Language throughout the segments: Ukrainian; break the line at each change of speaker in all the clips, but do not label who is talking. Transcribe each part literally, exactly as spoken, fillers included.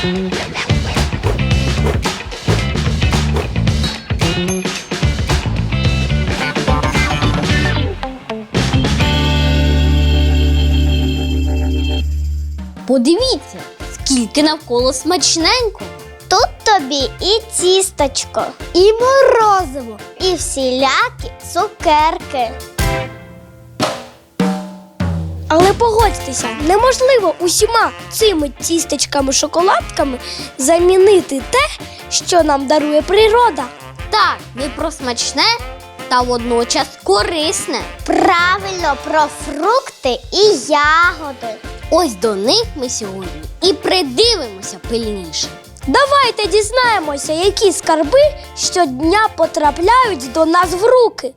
Подивіться, скільки навколо смачненько.
Тут тобі і тісточко, і морозиво, і всілякі цукерки.
Але погодьтеся, неможливо усіма цими тістечками-шоколадками замінити те, що нам дарує природа.
Так, не про смачне, та водночас корисне.
Правильно, про фрукти і ягоди.
Ось до них ми сьогодні і придивимося пильніше.
Давайте дізнаємося, які скарби щодня потрапляють до нас в руки.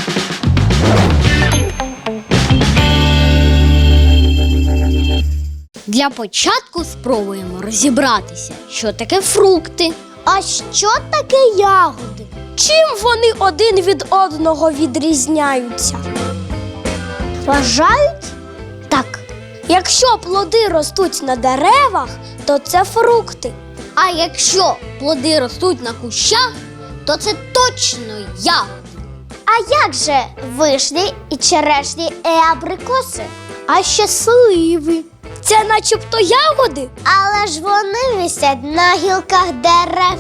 Для початку спробуємо розібратися, що таке фрукти.
А що таке ягоди?
Чим вони один від одного відрізняються?
Вважають? Так.
Якщо плоди ростуть на деревах, то це фрукти.
А якщо плоди ростуть на кущах, то це точно ягоди.
А як же вишні і черешні і абрикоси? А ще сливи.
Це начебто ягоди?
Але ж вони висять на гілках дерев.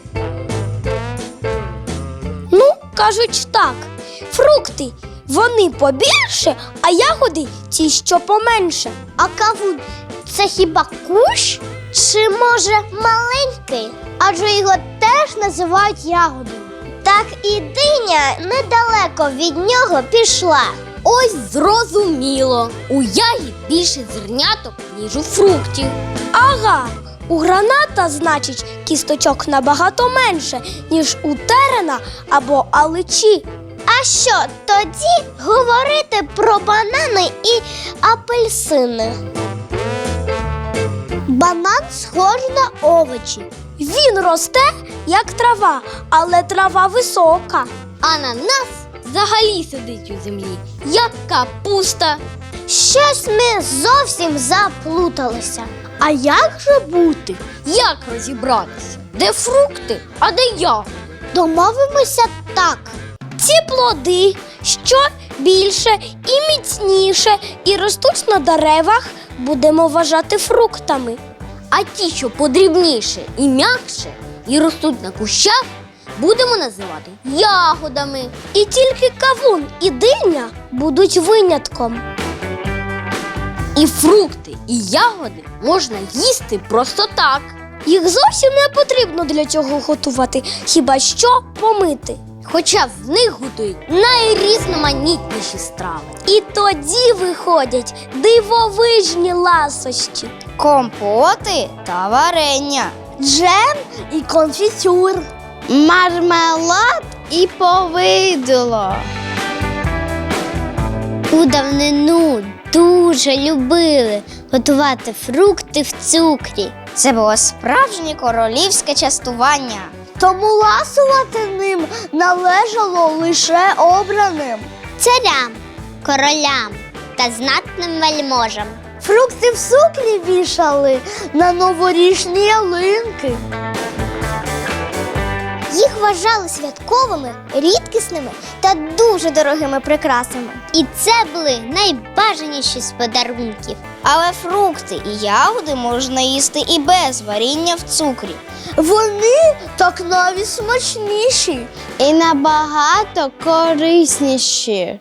Ну, кажуть так, фрукти, вони побільше, а ягоди ті, що поменше.
А кавун – це хіба кущ? Чи, може, маленький? Адже його теж називають ягодою. Так і диня недалеко від нього пішла.
Ось зрозуміло, у ягід більше зерняток, ніж у фруктів.
Ага, у граната, значить, кісточок набагато менше, ніж у терена або аличі.
А що тоді говорити про банани і апельсини? Банан схожий на овочі.
Він росте, як трава, але трава висока.
Ананас взагалі сидить у землі, як капуста.
Щось ми зовсім заплуталися. А як же бути?
Як розібратися? Де фрукти, а де ягоди?
Домовимося так.
Ці плоди, що більше і міцніше, і ростуть на деревах, будемо вважати фруктами.
А ті, що подрібніше і м'якше, і ростуть на кущах, будемо називати ягодами.
І тільки кавун і диня будуть винятком.
І фрукти, і ягоди можна їсти просто так.
Їх зовсім не потрібно для цього готувати, хіба що помити.
Хоча з них готують найрізноманітніші страви.
І тоді виходять дивовижні ласощі.
Компоти та варення,
Джем і конфітюр.
мармелад і повидло. У давнину дуже любили готувати фрукти в цукрі. Це було справжнє королівське частування. Тому ласувати ним належало лише обраним. Царям, королям та знатним вельможам. Фрукти в цукрі вішали на новорічні ялинки. Їх вважали святковими, рідкісними та дуже дорогими прикрасами. І це були найбажаніші з подарунків. Але фрукти і ягоди можна їсти і без варіння в цукрі. Вони так навіть смачніші і набагато корисніші.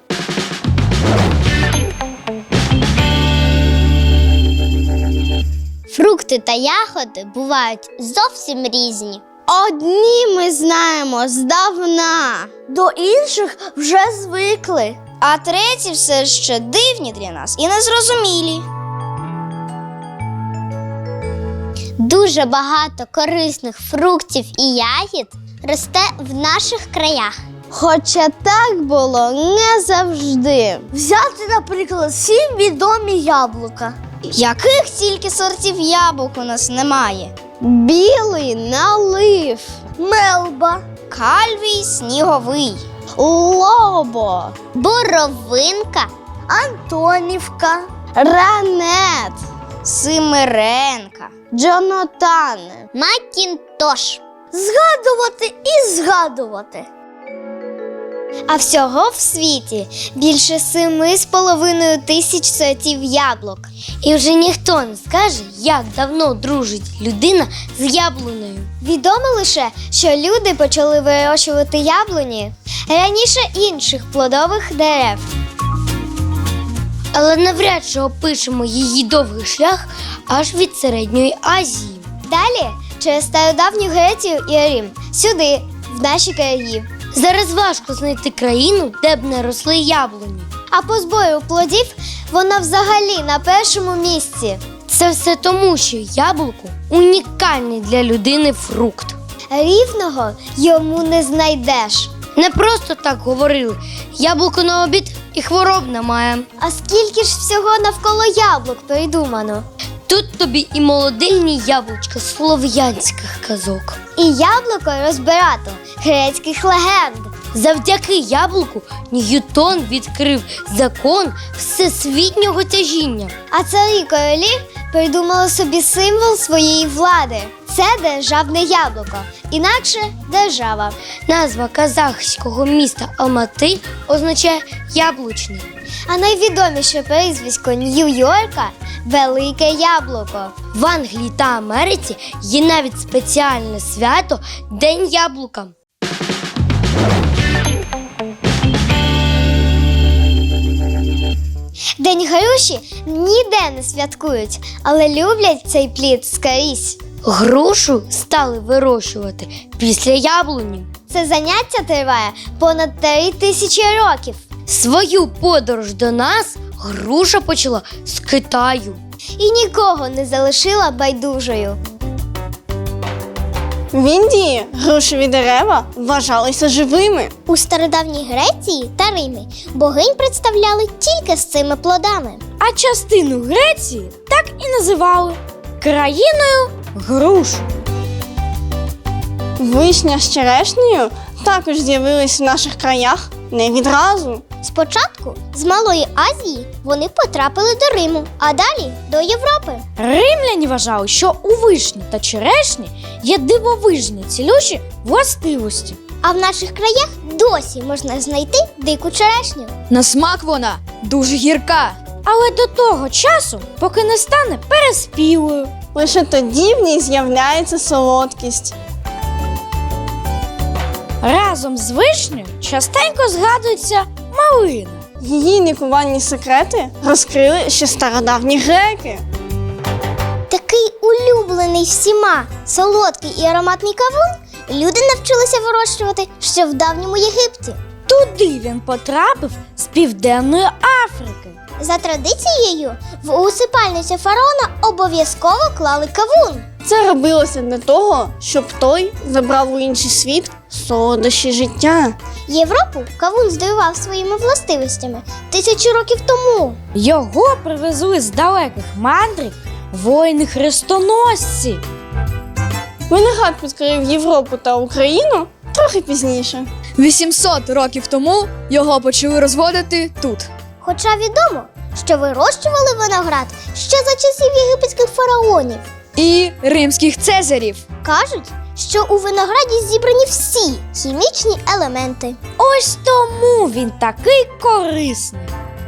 Фрукти та ягоди бувають зовсім різні. Одні ми знаємо здавна, до інших вже звикли. А треті все ще дивні для нас і незрозумілі. Дуже багато корисних фруктів і ягід росте в наших краях. Хоча так було не завжди. Взяти, наприклад, всі відомі яблука. Яких тільки сортів яблук у нас немає? Білий налив, мелба, кальвій сніговий, лобо, боровинка, антонівка, ранет, Симиренка, Джонатане, Макінтош.
Згадувати і згадувати.
А всього в світі більше семи з половиною тисяч сортів яблук.
І вже ніхто не скаже, як давно дружить людина з яблунею.
Відомо лише, що люди почали вирощувати яблуні раніше інших плодових дерев.
Але навряд чи опишемо її довгий шлях аж від Середньої Азії.
Далі через стародавню Грецію і Рим, сюди, в наші краї.
Зараз важко знайти країну, де б не росли яблуні.
А по збору плодів вона взагалі на першому місці.
Це все тому, що яблуко – унікальний для людини фрукт.
Рівного йому не знайдеш.
Не просто так говорили – яблуко на обід і хвороб немає.
А скільки ж всього навколо яблук придумано?
Тут тобі і молодильні яблучка слов'янських казок.
І яблуко розбирато грецьких легенд.
Завдяки яблуку Ньютон відкрив закон всесвітнього тяжіння.
А царі королі придумали собі символ своєї влади. Це державне яблуко, інакше держава.
Назва казахського міста Алмати означає «яблучний».
А найвідоміше прізвисько Нью-Йорка – Велике Яблуко.
В Англії та Америці є навіть спеціальне свято – День яблука.
День груші ніде не святкують, але люблять цей плід скрізь.
Грушу стали вирощувати після яблуні.
Це заняття триває понад три тисячі років.
Свою подорож до нас груша почала з Китаю.
І нікого не залишила байдужою.
В Індії грушеві дерева вважалися живими.
У стародавній Греції та Римі богинь представляли тільки з цими плодами.
А частину Греції так і називали країною груш.
Вишня з черешнею також з'явились в наших краях не відразу.
Спочатку з Малої Азії вони потрапили до Риму, а далі до Європи.
Римляні вважали, що у вишні та черешні є дивовижні цілющі властивості.
А в наших краях досі можна знайти дику черешню.
На смак вона дуже гірка.
Але до того часу, поки не стане переспілою.
Лише тоді в ній з'являється солодкість.
Разом з вишнею частенько згадується малина.
Її лікувальні секрети розкрили ще стародавні греки.
Такий улюблений всіма солодкий і ароматний кавун люди навчилися вирощувати ще в давньому Єгипті.
Туди він потрапив з Південної Африки.
За традицією, в усипальницю фараона обов'язково клали кавун.
Це робилося для того, щоб той забрав у інший світ солодощі життя.
Європу кавун здивував своїми властивостями тисячі років тому.
Його привезли з далеких мандрів воїни-хрестоносці.
Виноград підкорив Європу та Україну трохи пізніше.
вісімсот років тому його почали розводити тут.
Хоча відомо, що вирощували виноград ще за часів єгипетських фараонів.
І римських цезарів.
Кажуть, що у винограді зібрані всі хімічні елементи.
Ось тому він такий корисний.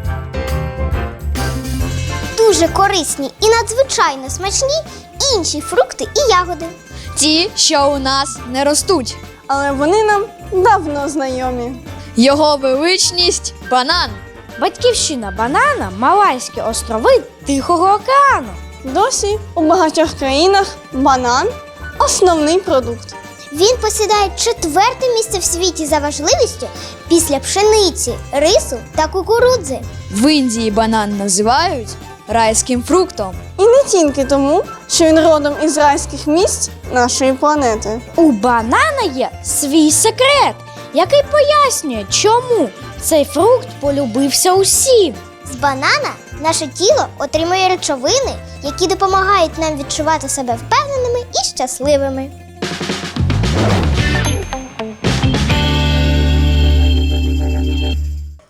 Дуже корисні і надзвичайно смачні інші фрукти і ягоди.
Ті, що у нас не ростуть.
Але вони нам давно знайомі.
Його величність – банан.
Батьківщина банана – Малайські острови Тихого океану.
Досі у багатьох країнах банан – основний продукт.
Він посідає четверте місце в світі за важливістю після пшениці, рису та кукурудзи.
В Індії банан називають райським фруктом.
І не тільки тому, що він родом із райських місць нашої планети.
У банана є свій секрет, який пояснює, чому цей фрукт полюбився усім.
З банана наше тіло отримує речовини, які допомагають нам відчувати себе впевненими і щасливими.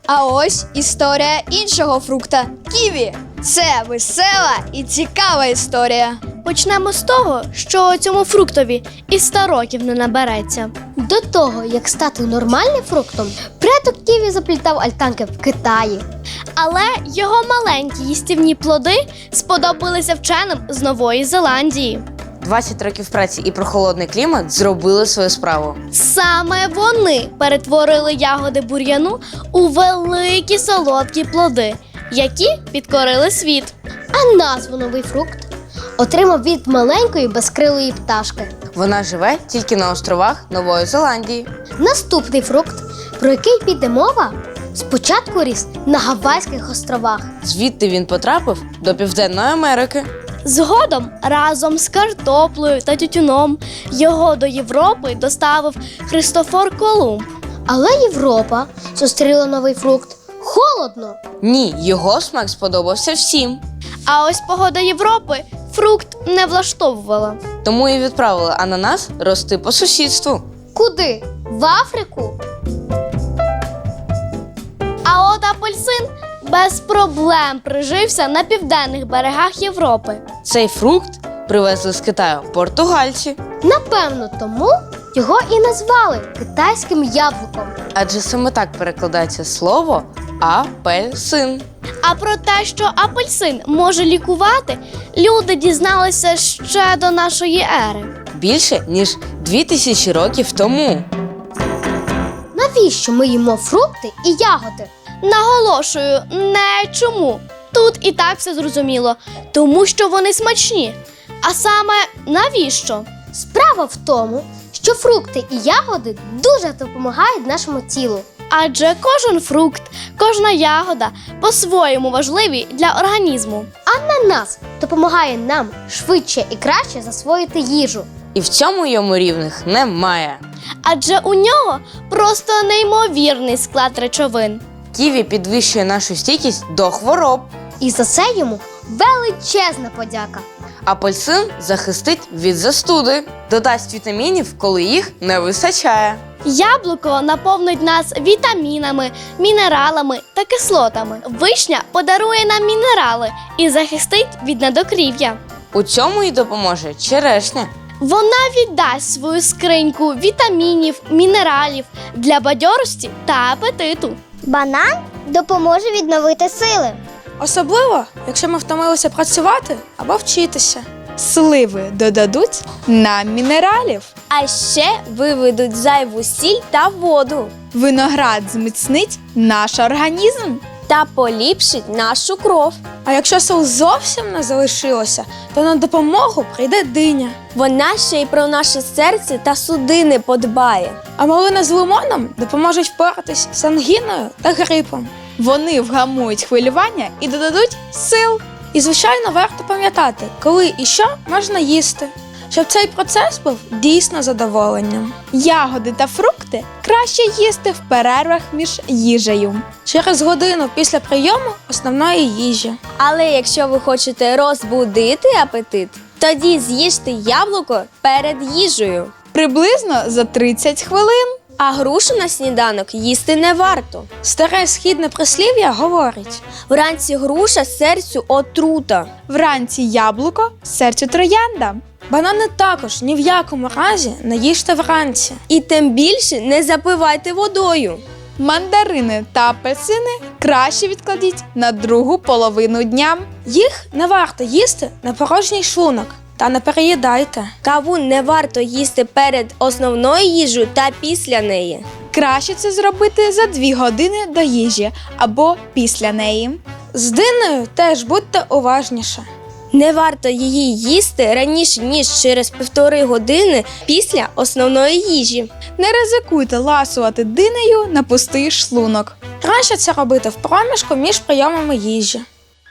А ось історія іншого фрукта – ківі. Це весела і цікава історія.
Почнемо з того, що цьому фруктові і ста років не набереться.
До того, як стати нормальним фруктом, предок ківі заплітав альтанки в Китаї.
Але його маленькі їстівні плоди сподобалися вченим з Нової Зеландії.
двадцять років праці і прохолодний клімат зробили свою справу.
Саме вони перетворили ягоди бур'яну у великі солодкі плоди, які підкорили світ.
А назву новий фрукт отримав від маленької безкрилої пташки.
Вона живе тільки на островах Нової Зеландії.
Наступний фрукт, про який піде мова, спочатку ріс на Гавайських островах.
Звідти він потрапив до Південної Америки.
Згодом разом з картоплею та тютюном його до Європи доставив Христофор Колумб.
Але Європа зустріла новий фрукт холодно.
Ні, його смак сподобався всім.
А ось погода Європи фрукт не влаштовувала.
Тому і відправили ананас рости по сусідству.
Куди? В Африку?
А от апельсин без проблем прижився на південних берегах Європи.
Цей фрукт привезли з Китаю португальці.
Напевно, тому його і назвали китайським яблуком.
Адже саме так перекладається слово апельсин.
А про те, що апельсин може лікувати, люди дізналися ще до нашої ери.
Більше, ніж дві тисячі років тому.
Навіщо ми їмо фрукти і ягоди?
Наголошую, не чому. Тут і так все зрозуміло. Тому що вони смачні. А саме навіщо?
Справа в тому, що фрукти і ягоди дуже допомагають нашому тілу.
Адже кожен фрукт, кожна ягода по-своєму важливі для організму.
Ананас допомагає нам швидше і краще засвоїти їжу.
І в цьому йому рівних немає.
Адже у нього просто неймовірний склад речовин.
Ківі підвищує нашу стійкість до хвороб.
І за це йому величезна подяка.
Апельсин захистить від застуди, додасть вітамінів, коли їх не вистачає.
Яблуко наповнить нас вітамінами, мінералами та кислотами. Вишня подарує нам мінерали і захистить від недокрів'я.
У цьому й допоможе черешня.
Вона віддасть свою скриньку вітамінів, мінералів для бадьорості та апетиту.
Банан допоможе відновити сили.
Особливо, якщо ми втомилися працювати або вчитися. Сливи додадуть нам мінералів.
А ще виведуть зайву сіль та воду.
Виноград зміцнить наш організм.
Та поліпшить нашу кров.
А якщо сил зовсім не залишилося, то на допомогу прийде диня.
Вона ще й про наше серце та судини подбає.
А малина з лимоном допоможуть впоратись з ангіною та грипом. Вони вгамують хвилювання і додадуть сил. І, звичайно, варто пам'ятати, коли і що можна їсти, щоб цей процес був дійсно задоволенням. Ягоди та фрукти краще їсти в перервах між їжею. Через годину після прийому основної їжі.
Але якщо ви хочете розбудити апетит, тоді з'їжте яблуко перед їжею.
Приблизно за тридцять хвилин.
А грушу на сніданок їсти не варто.
Старе східне прислів'я говорить:
Вранці груша серцю отрута.
вранці яблуко, серцю троянда. Банани також ні в якому разі не їжте вранці.
І тим більше не запивайте водою.
Мандарини та апельсини краще відкладіть на другу половину дня. Їх не варто їсти на порожній шлунок. Та не переїдайте.
Кавун не варто їсти перед основною їжею та після неї.
Краще це зробити за дві години до їжі або після неї. З динею теж будьте уважніше.
Не варто її їсти раніше, ніж через півтори години після основної їжі.
Не ризикуйте ласувати динею на пустий шлунок. Краще це робити в проміжку між прийомами їжі.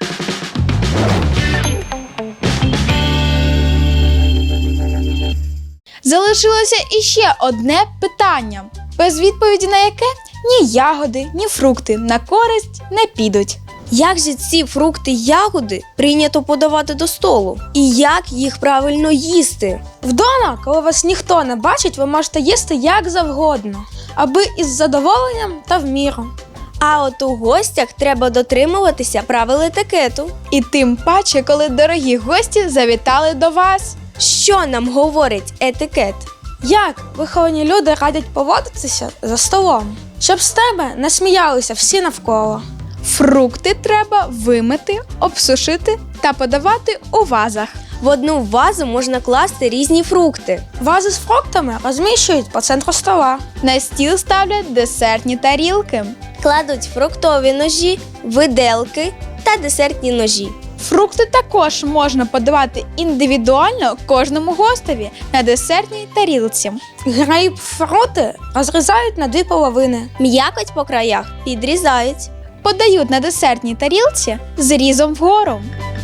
Залишилося іще одне питання, без відповіді на яке ні ягоди, ні фрукти на користь не підуть.
Як же ці фрукти й ягоди прийнято подавати до столу? І як їх правильно їсти?
Вдома, коли вас ніхто не бачить, ви можете їсти як завгодно, аби із задоволенням та в міру.
А от у гостях треба дотримуватися правил етикету.
І тим паче, коли дорогі гості завітали до вас.
Що нам говорить етикет?
Як виховані люди радять поводитися за столом, щоб з тебе не сміялися всі навколо. Фрукти треба вимити, обсушити та подавати у вазах.
В одну вазу можна класти різні фрукти.
Вази з фруктами розміщують по центру стола. На стіл ставлять десертні тарілки.
Кладуть фруктові ножі, виделки та десертні ножі.
Фрукти також можна подавати індивідуально кожному гостеві на десертній тарілці. Грейпфрути розрізають на дві половини.
М'якоть по краях підрізають.
Подають на десертній тарілці з різом вгору.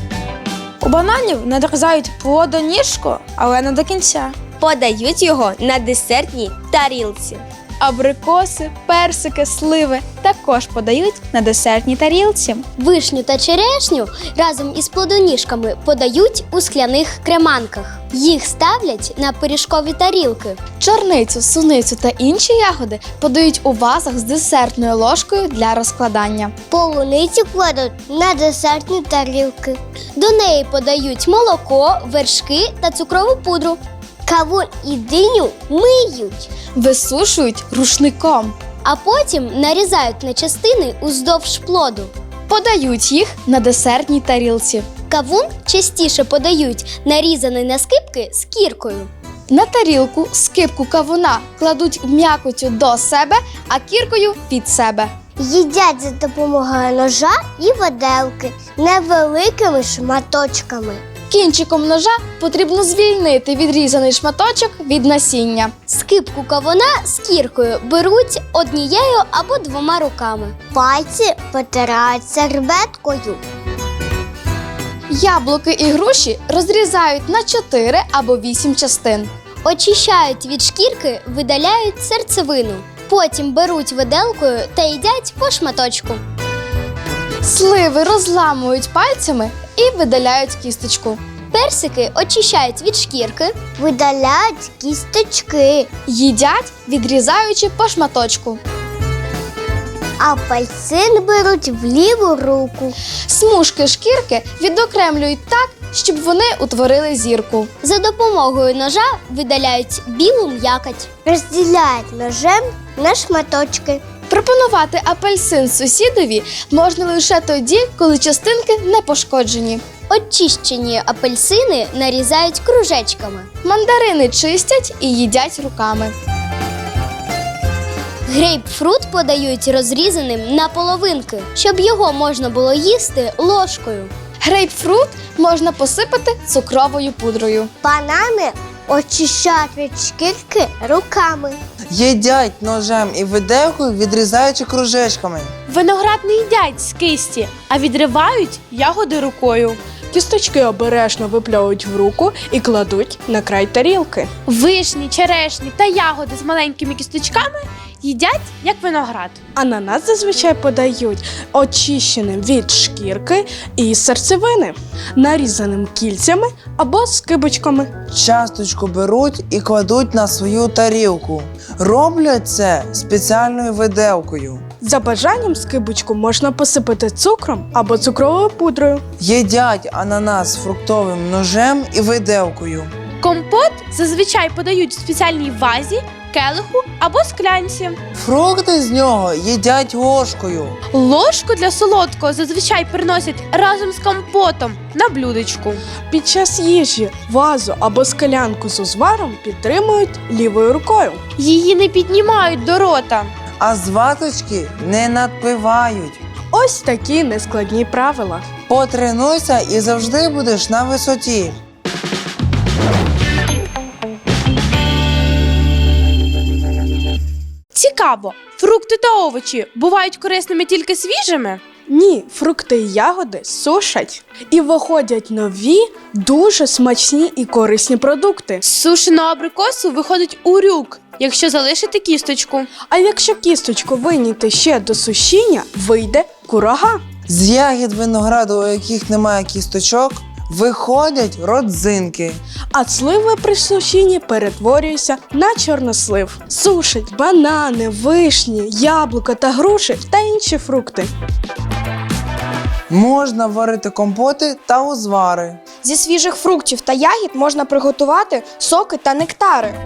У бананів надрізають плодоніжку, але не до кінця.
Подають його на десертній тарілці.
Абрикоси, персики, сливи також подають на десертній тарілці.
Вишню та черешню разом із плодоніжками подають у скляних креманках. Їх ставлять на пиріжкові тарілки.
Чорницю, суницю та інші ягоди подають у вазах з десертною ложкою для розкладання.
Полуницю кладуть на десертні тарілки.
До неї подають молоко, вершки та цукрову пудру.
Кавун і диню миють.
Висушують рушником.
А потім нарізають на частини уздовж плоду.
Подають їх на десертній тарілці.
Кавун частіше подають нарізаний на скибки з кіркою.
На тарілку скибку кавуна кладуть м'якотю до себе, а кіркою від себе.
Їдять за допомогою ножа і виделки невеликими шматочками.
Кінчиком ножа потрібно звільнити відрізаний шматочок від насіння.
Скибку кавуна з кіркою беруть однією або двома руками.
Пальці потирають серветкою.
Яблуки і груші розрізають на чотири або вісім частин.
Очищають від шкірки, видаляють серцевину. Потім беруть виделкою та їдять по шматочку.
Сливи розламують пальцями і видаляють кісточку.
Персики очищають від шкірки.
Видаляють кісточки.
Їдять, відрізаючи по шматочку.
Апельсин беруть в ліву руку.
Смужки шкірки відокремлюють так, щоб вони утворили зірку.
За допомогою ножа видаляють білу м'якоть.
Розділяють ножем на шматочки.
Пропонувати апельсин сусідові можна лише тоді, коли частинки не пошкоджені.
Очищені апельсини нарізають кружечками.
Мандарини чистять і їдять руками.
Грейпфрут подають розрізаним на половинки, щоб його можна було їсти ложкою.
Грейпфрут можна посипати цукровою пудрою.
Банани очищають від шкірки руками.
Їдять ножем і виделкою, відрізаючи кружечками.
Виноград не їдять з кисті, а відривають ягоди рукою.
Кісточки обережно випльовують в руку і кладуть на край тарілки.
Вишні, черешні та ягоди з маленькими кісточками їдять як виноград.
Ананас зазвичай подають очищеним від шкірки і серцевини, нарізаним кільцями або скибочками.
Часточку беруть і кладуть на свою тарілку. Роблять це спеціальною виделкою.
За бажанням скибочку можна посипати цукром або цукровою пудрою.
Їдять ананас фруктовим ножем і виделкою.
Компот зазвичай подають в спеціальній вазі, келиху або склянці.
Фрукти з нього їдять ложкою.
Ложку для солодкого зазвичай приносять разом з компотом на блюдечку.
Під час їжі вазу або склянку з узваром підтримують лівою рукою.
Її не піднімають до рота.
А з ваточки не надпивають.
Ось такі нескладні правила.
Потренуйся і завжди будеш на висоті.
Цікаво, фрукти та овочі бувають корисними тільки свіжими?
Ні, фрукти і ягоди сушать. І виходять нові, дуже смачні і корисні продукти.
З сушеного абрикосу виходить урюк, якщо залишити кісточку.
А якщо кісточку вийняти ще до сушіння, вийде курага.
З ягід винограду, у яких немає кісточок, виходять родзинки.
А сливи при сушінні перетворюються на чорнослив. Сушать банани, вишні, яблука та груші та інші фрукти.
Можна варити компоти та узвари.
Зі свіжих фруктів та ягід можна приготувати соки та нектари.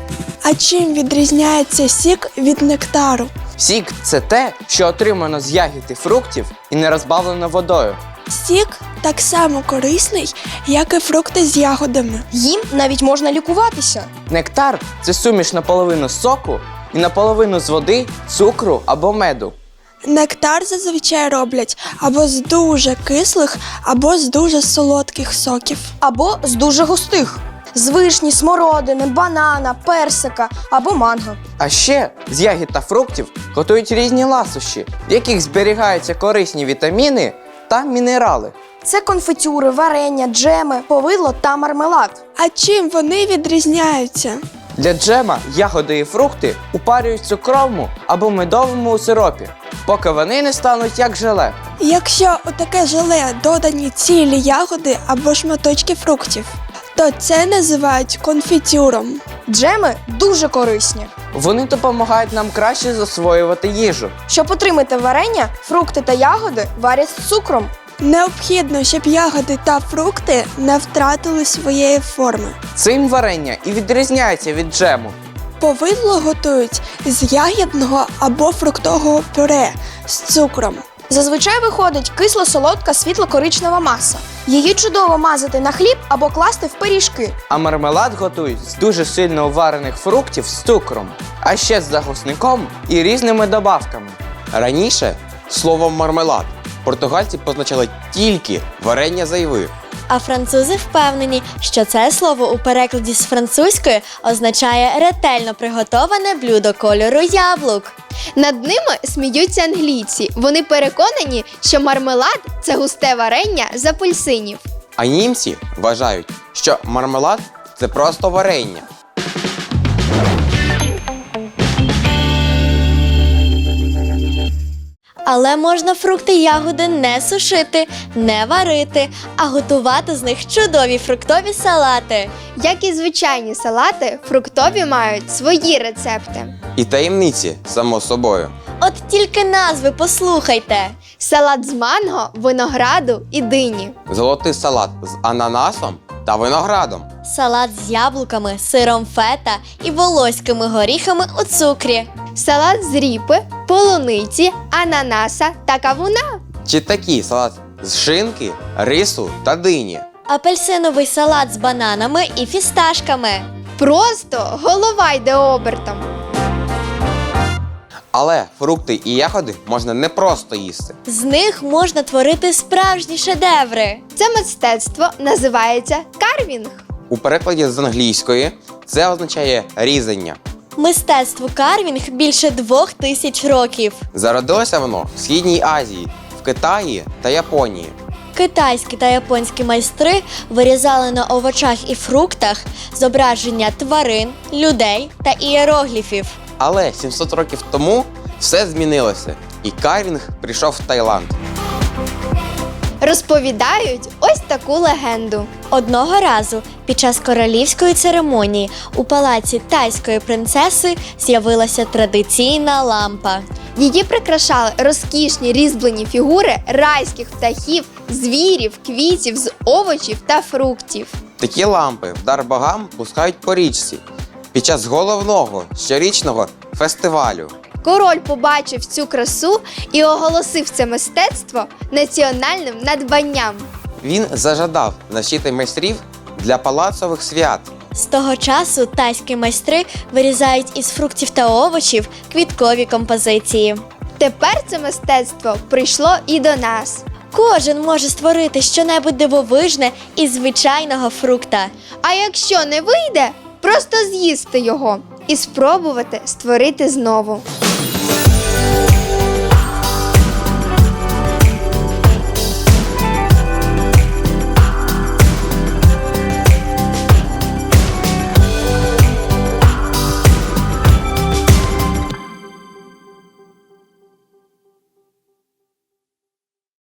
А чим відрізняється сік від нектару?
Сік – це те, що отримано з ягід і фруктів і не розбавлено водою.
Сік так само корисний, як і фрукти з ягодами.
Їм навіть можна лікуватися.
Нектар – це суміш наполовину соку і наполовину з води, цукру або меду.
Нектар зазвичай роблять або з дуже кислих, або з дуже солодких соків.
Або з дуже густих. З вишні, смородини, банана, персика або манго.
А ще з ягід та фруктів готують різні ласощі, в яких зберігаються корисні вітаміни та мінерали.
Це конфетюри, варення, джеми, повидло та мармелад.
А чим вони відрізняються?
Для джема ягоди і фрукти упарюють в цукровому або медовому сиропі, поки вони не стануть як желе.
Якщо у таке желе додані цілі ягоди або шматочки фруктів, то це називають конфітюром.
Джеми дуже корисні.
Вони допомагають нам краще засвоювати їжу.
Щоб отримати варення, фрукти та ягоди варять з цукром.
Необхідно, щоб ягоди та фрукти не втратили своєї форми.
Цим варення і відрізняється від джему.
Повидло готують з ягідного або фруктового пюре з цукром.
Зазвичай виходить кисло-солодка світло-коричнева маса. Її чудово мазати на хліб або класти в пиріжки.
А мармелад готують з дуже сильно уварених фруктів з цукром, а ще з загусником і різними добавками.
Раніше словом мармелад португальці позначали тільки варення з айви.
А французи впевнені, що це слово у перекладі з французької означає ретельно приготоване блюдо кольору яблук.
Над ними сміються англійці. Вони переконані, що мармелад – це густе варення з апельсинів.
А німці вважають, що мармелад – це просто варення.
Але можна фрукти й ягоди не сушити, не варити, а готувати з них чудові фруктові салати.
Як і звичайні салати, фруктові мають свої рецепти.
І таємниці, само собою.
От тільки назви послухайте.
Салат з манго, винограду і дині.
Золотий салат з ананасом та виноградом.
Салат з яблуками, сиром фета і волоськими горіхами у цукрі.
Салат з ріпи, полуниці, ананаса та кавуна.
Чи такий салат з шинки, рису та дині.
Апельсиновий салат з бананами і фісташками.
Просто голова йде обертом.
Але фрукти і ягоди можна не просто їсти.
З них можна творити справжні шедеври.
Це мистецтво називається карвінг.
У перекладі з англійської це означає різання.
Мистецтву карвінг більше двох тисяч років.
Зародилося воно в Східній Азії, в Китаї та Японії.
Китайські та японські майстри вирізали на овочах і фруктах зображення тварин, людей та ієрогліфів.
Але сімсот років тому все змінилося, і карвінг прийшов в Таїланд.
Розповідають ось таку легенду.
Одного разу під час королівської церемонії у палаці тайської принцеси з'явилася традиційна лампа.
Її прикрашали розкішні різьблені фігури райських птахів, звірів, квітів з овочів та фруктів.
Такі лампи в дар богам пускають по річці під час головного щорічного фестивалю.
Король побачив цю красу і оголосив це мистецтво національним надбанням.
Він зажадав навчити майстрів для палацових свят.
З того часу тайські майстри вирізають із фруктів та овочів квіткові композиції.
Тепер це мистецтво прийшло і до нас.
Кожен може створити щонебудь дивовижне із звичайного фрукта.
А якщо не вийде, просто з'їсти його і спробувати створити знову.